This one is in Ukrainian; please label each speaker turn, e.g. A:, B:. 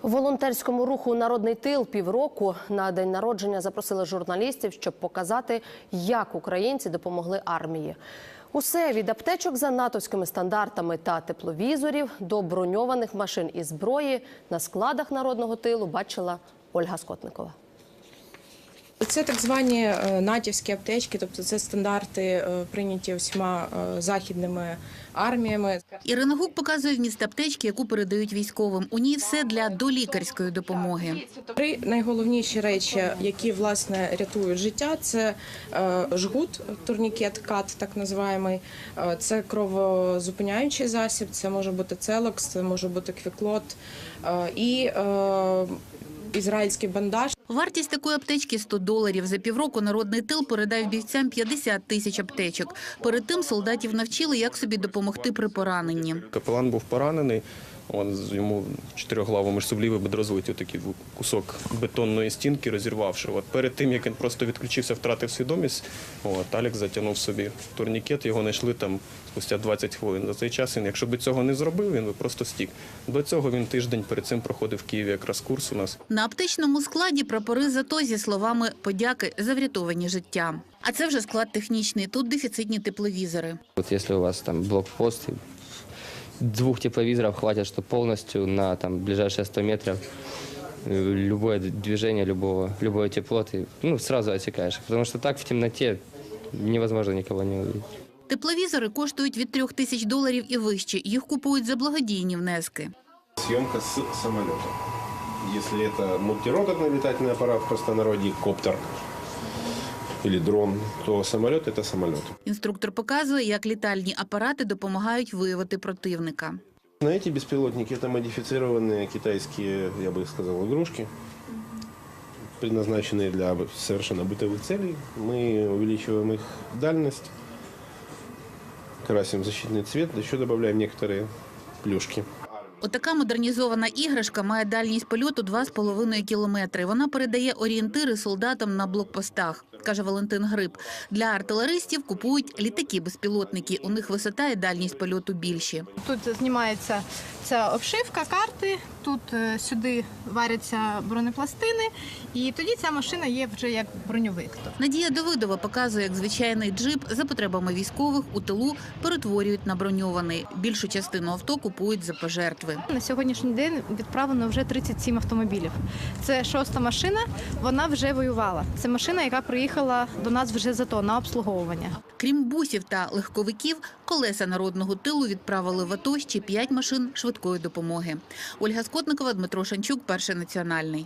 A: В волонтерському руху «Народний тил» півроку на день народження запросили журналістів, щоб показати, як українці допомогли армії. Усе від аптечок за натовськими стандартами та тепловізорів до броньованих машин і зброї на складах «Народного тилу» бачила Ольга Скотникова.
B: Це так звані натівські аптечки, тобто це стандарти, прийняті всіма західними арміями.
C: Ірина Гук показує вміст аптечки, яку передають військовим. У ній все для долікарської допомоги.
B: Три найголовніші речі, які, власне, рятують життя, це жгут, турнікет, кат, так називаємий, це кровозупиняючий засіб, це може бути целокс, це може бути квіклот і ізраїльський бандаж.
C: Вартість такої аптечки – $100. За півроку «Народний тил» передав бійцям 50 тисяч аптечок. Перед тим солдатів навчили, як собі допомогти при пораненні.
D: Капелан був поранений, йому в чотириглавому сублівий бедрозвитів такий кусок бетонної стінки розірвавши. Перед тим, як він просто відключився, втратив свідомість, Алік затягнув собі турнікет, його знайшли там спустя 20 хвилин. За цей час він, якщо б цього не зробив, він би просто стік. До цього він тиждень перед цим проходив в Києві якраз курс у нас.
C: На аптечному складі прапори ЗАТО зі словами «подяки за врятовані життя». А це вже склад технічний, тут дефіцитні тепловізори.
E: Якщо у вас там блокпост, 2 тепловизоров хватит, что полностью на ближайшие 100 метров любое движение, любое тепло ты сразу отсекаешь. Потому что так в темноте невозможно никого не увидеть.
C: Тепловізори коштують від $3000 і вище. Їх купують за благодійні внески.
F: Съемка с самолета. Если это мультирокотный летательный аппарат, в простонародье коптер или дрон, то самолет – это самолет.
C: Інструктор показує, як літальні апарати допомагають виявити противника.
F: На эти беспилотники это модифицированные китайские, я бы сказал, игрушки, предназначенные для совершенно бытовых целей. Мы увеличиваем их дальность, красим защитный цвет, еще добавляем некоторые плюшки.
C: Отака модернізована іграшка має дальність польоту 2,5 кілометри. Вона передає орієнтири солдатам на блокпостах, каже Валентин Гриб. Для артилеристів купують літаки-безпілотники. У них висота і дальність польоту більші.
G: Тут знімається ця обшивка, карти, тут сюди варяться бронепластини, і тоді ця машина є вже як броньовик.
C: Надія Давидова показує, як звичайний джип за потребами військових у тилу перетворюють на броньований. Більшу частину авто купують за пожертви.
G: На сьогоднішній день відправлено вже 37 автомобілів. Це 6-та машина, вона вже воювала. Це машина, яка приїхала до нас вже ЗАТО на обслуговування.
C: Крім бусів та легковиків, колеса «Народного тилу» відправили в АТО ще 5 машин швидкої допомоги. Ольга Скотникова, Дмитро Шанчук, Перший національний.